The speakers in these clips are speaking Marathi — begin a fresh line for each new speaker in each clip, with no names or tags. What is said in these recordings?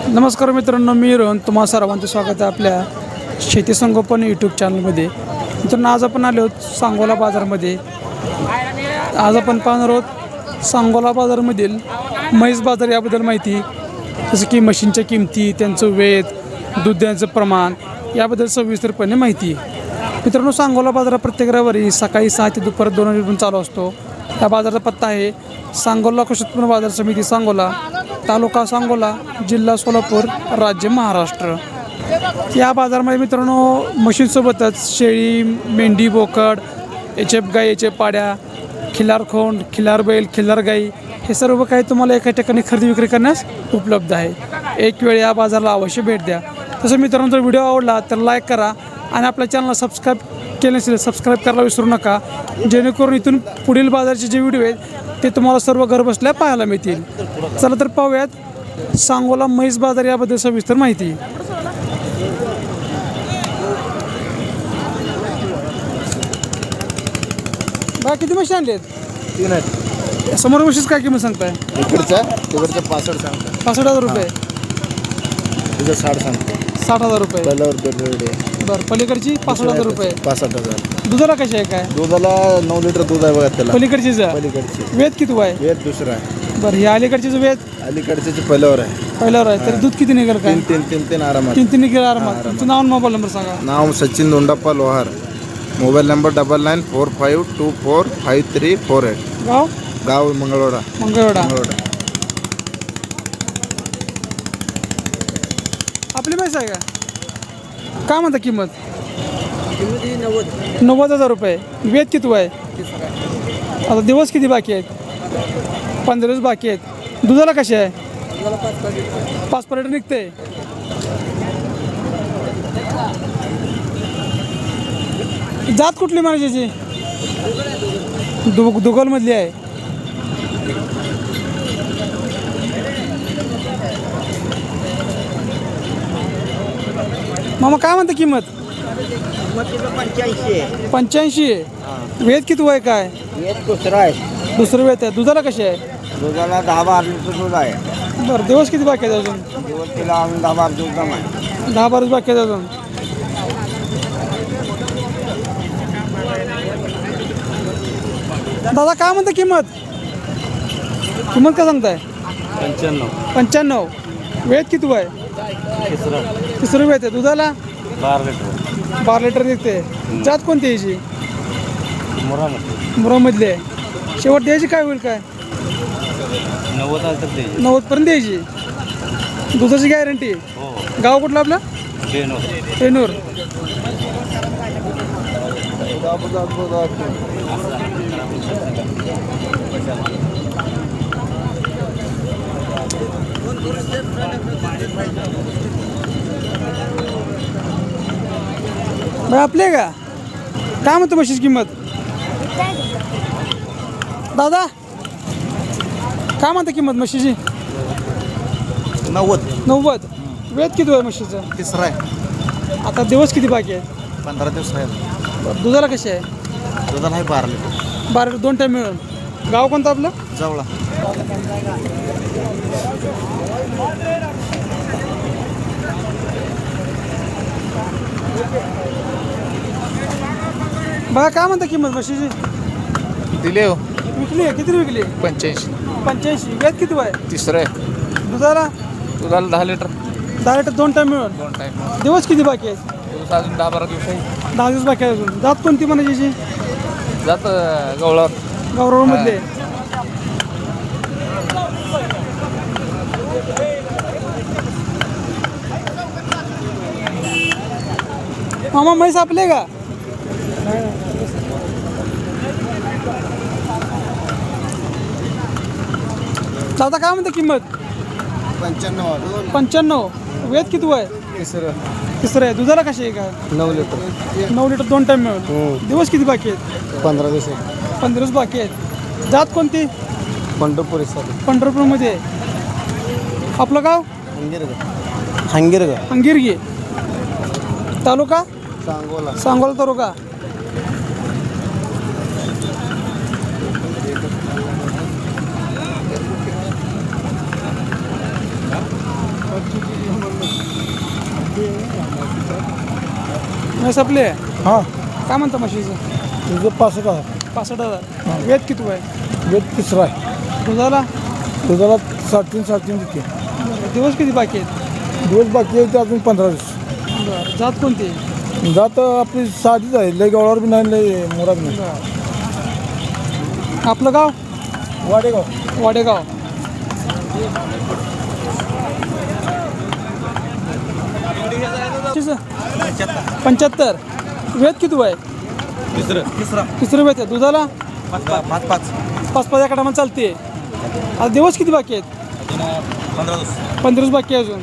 नमस्कार मित्रांनो, मी रोहन तुम्हा सर्वांचं स्वागत आहे आपल्या शेती संगोपन यूट्यूब चॅनलमध्ये. मित्रांनो, आज आपण आलो आहोत सांगोला बाजारमध्ये. आज आपण पाहणार आहोत सांगोला बाजारमधील म्हैस बाजार याबद्दल माहिती, जसं की म्हशींच्या किमती, त्यांचं वेत, दूध द्यायचं प्रमाण याबद्दल सविस्तरपणे माहिती. मित्रांनो, सांगोला बाजारात प्रत्येक रविवारी सकाळी 6 ते दुपारी 2 वाजेपर्यंत चालू असतो. या बाजाराचा पत्ता आहे सांगोला कृषी उत्पन्न बाजार समिती सांगोला, तालुका सांगोला, जिल्हा सोलापूर, राज्य महाराष्ट्र. या बाजारामध्ये मित्रांनो म्हशींसोबतच शेळी, मेंढी, बोकड, एचएफ गाई, एचएफ पाड्या, खिलार खोंड, खिलार बैल, खिलार गाई हे सर्व काही तुम्हाला एका ठिकाणी खरेदी विक्री करण्यास उपलब्ध आहे. एक वेळ या बाजाराला अवश्य भेट द्या. तसं मित्रांनो, जर व्हिडिओ आवडला तर लाईक करा आणि आपल्या चॅनलला सबस्क्राईब केले नसेल सबस्क्राईब करायला विसरू नका, जेणेकरून इथून पुढील बाजारचे जे व्हिडिओ आहेत ते तुम्हाला सर्व घरबसल्या पाहायला मिळतील. चला तर पाहूयात सांगोला म्हैस बाजार याबद्दल सविस्तर माहिती. बा किती म्हशी आणलेत?
3 आहेत.
समोर म्हशीच काय किंमत सांगताय?
तिकडचं 65 सांगतो.
65,000 रुपये.
तुझं 60 सांगतो.
60,000 रुपये.
पहिल्यावर दर
बरं, पलीकडची 65,000 रुपये.
65,000.
दुधाला कशी आहे काय?
दुधाला 9 लिटर दूध आहे बघा त्याला.
पलीकडचीच
पलीकडची
वेद किती आहे?
वेद दुसरा आहे.
बरं, ही अलीकडचीच वेद
अलीकडचे पहिल्यावर आहे.
पहिल्यावर आहे. तर दूध किती निघेल काय?
3 आरामात.
3 निघेल आरामात. तुमचं नाव आणि मोबाईल नंबर सांगा.
नाव सचिन दोंडाप्पा लोहार. Mobile number 9945245348.
गाव
गाव मंगळवेढा.
मंगळवेढा. आपली म्हैस आहे का? काय म्हणता किंमत? 90,000 रुपये. वेद किती आहे? आता दिवस किती बाकी आहेत? 15 दिवस बाकी आहेत. दुधाला कशी आहे? 5 लिटर निघते. जात कुठली म्हणायची? दुगलमधली आहे. मामा काय म्हणता किंमत? 85 आहे. वेद किती आहे काय?
दुसरा आहे.
दुसरं वेद आहे. दुधाला कशी आहे?
दुधाला 10-12 लिटर दूध आहे.
बरं, दिवस किती बाकी आहेत अजून?
दिवस तिला अजून 10-12 दूध कम आहे.
10-12 बाकी आहेत अजून. दादा काय म्हणता किंमत? किंमत काय सांगताय? 95. वेद किती आहे? तिसरं वेद आहे. दुधाला 12 लिटर निघते. जात कोणती याची? मुरामधली आहे. शेवट द्यायची काय होईल काय? 90 पर्यंत द्यायची. दुधाची गॅरंटी. गाव कुठलं आपलं? पेनूर. बाई आपले का? काय म्हणतो म्हशीची किंमत? दादा काय म्हणता किंमत म्हशीची? 90. वेद किती आहे म्हशीचं?
तिसरा आहे.
आता दिवस किती बाकी आहे?
15 दिवस आहे.
बरं, दुधाला कशी आहे?
दुधाला आहे 12 लिटर.
12 लिटर 2 टाईम मिळून. गाव कोणतं आपलं?
जवळा.
बघा काय म्हणता किंमत म्हशीची?
दिले हो.
विकली आहे? किती विकली? 85. वेद किती आहे?
तिसरं आहे.
दुधाला?
दुधाला 10 लिटर.
10 लिटर 2 टाईम मिळून.
2 टाईम.
दिवस किती बाकी आहेत?
दिवस अजून 10-12 दिवस आहे.
10 दिवस बाकी आहे अजून. जात कोणती म्हणायची?
जात गवळावर.
गावरामधले. मामा म्हैस आपले का? दादा काय म्हणते किंमत? 95. वेद किती आहे? तिसरं आहे. दुधाला कशी आहे का?
9 लिटर.
9 लिटर 2 टाईम मिळून. दिवस किती बाकी आहेत?
15 दिवस आहे.
15 दिवस बाकी आहेत. जात कोणती?
पंढरपूर.
पंढरपूरमध्ये. आपलं गाव? हंगिरगी. तालुका सांगोला तालुका. म्हैस आपली आहे
हां
काय म्हणता म्हशीचं
तुझं 65,000
65,000 वेद किती आहे
वेद तिसरा आहे
दुधाला
तुझ्याला 3.5 रुपये
दिवस किती बाकी आहेत
दिवस बाकी आहे ते अजून 15 दिवस
बरं जात कोणती
जात आपली साधीच आहे लय गवळावर बी नाही लय मोरा बी नाही
आपलं गाव
वाडेगाव
वाडेगाव कितीचं? 75 वेद किती आहे तिसरं वेद आहे दुधाला 5 एका टायमाला चालते आता दिवस किती बाकी आहेत 15 दिवस बाकी आहे अजून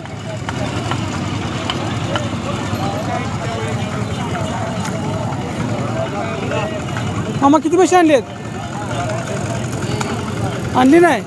मामा किती पैसे आणले आहेत आणली नाही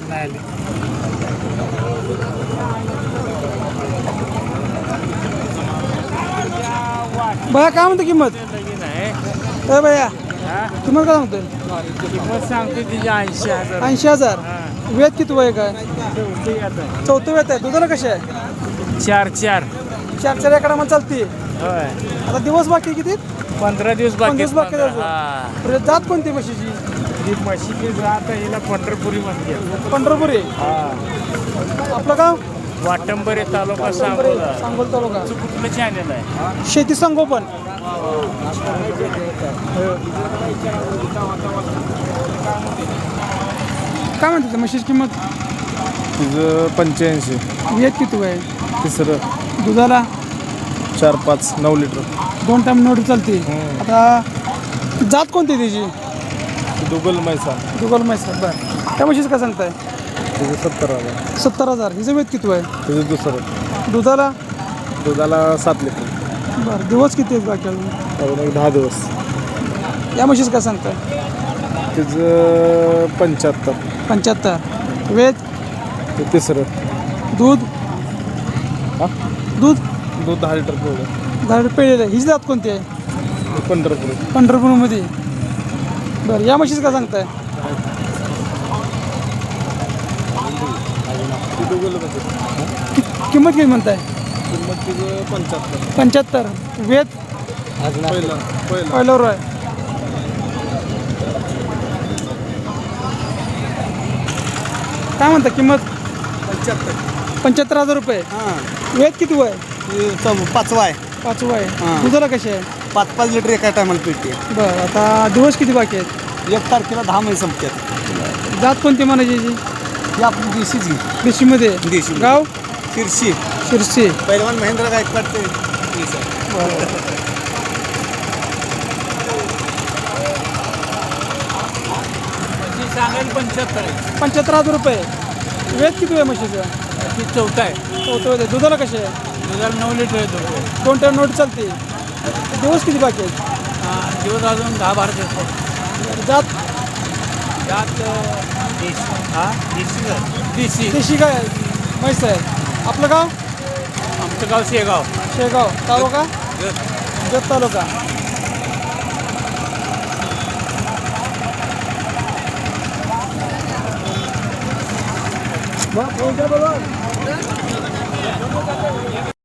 भैया काय म्हणतो किंमत ए भैया किंमत काय म्हणतोय
किंमत सांगते तिची 80,000
80,000 वेद किती वय काय चौथं वेद आहे दुधाला कशी आहे
4
चार एका टायमाला चालते
होय
आता दिवस बाकी किती
15 दिवस
15 दिवस बाकी आहेत अजून.
हा
बरं, जात कोणती म्हशीची
ही म्हशीची जात हिला पंढरपुरी म्हणते
पंढरपुरी
हा
आपलं गाव
वाटंबरे तालुका सांगोला
सांगोल तालुका
कुठलं चॅनल आहे
शेती संगोपन काय म्हणते म्हशीची किंमत
तुझं 85
वेद किती आहे
तिसरं
दुधाला
4-5 9 लिटर
2 टाइम नोट चालते आता जात कोणती त्याची
दुगल मैसा
दुगल मैसूर बरं त्या म्हशीचं काय सांगताय
तुझं 70,000
70,000 हिचं वेद किती आहे
तुझं दुसरं
दुधाला
दुधाला 7 लिटर
बरं दिवस किती आहेत बाकी अजून
अजून एक 10 दिवस
या म्हशीचं काय सांगताय
तिचं 75
75 वेद
ते तिसरं
दूध
हा
दूध
दूध 10 लिटर पोळं
झाड पेळलेलं आहे हिची जात कोणती आहे
पंढरपूर
पंढरपूरमध्ये बरं या म्हशीचं काय सांगताय किंमत किती म्हणताय
किंमत तिचं 75
75 वेद
पहिलं
पहिल्यावर आहे काय म्हणता किंमत 75,000 रुपये वेद किती वय
5 आहे
5 वय
हां.
दुधाला कशी आहे
5 लिटर एका टायमाला पिळते
बरं आता दिवस किती बाकी आहेत
1 तारखेला 10 महिने संपतात
जात कोणती म्हणायची याची?
ही आपली देशीची
देशीमध्ये
देशी
गाव
शिरशी
शिरसी
पहिलवान महेंद्र गायकवाड ते
सांगायला 75 आहे
75,000 रुपये वेद किती आहे म्हशीचं
ती 4 आहे
चौथं वेद आहे दुधाला कशी आहे
दुधाला 9 लिटर येतो
2 टाइम नोट चालते दिवस किती बाकी आहेत
दिवस अजून 10-12 दिवस
जात
त्यात देशी
देशी काय आहे? म्हैस आहे आपलं गाव
आमचं गाव शेगाव
शेगाव तालुका जत तालुका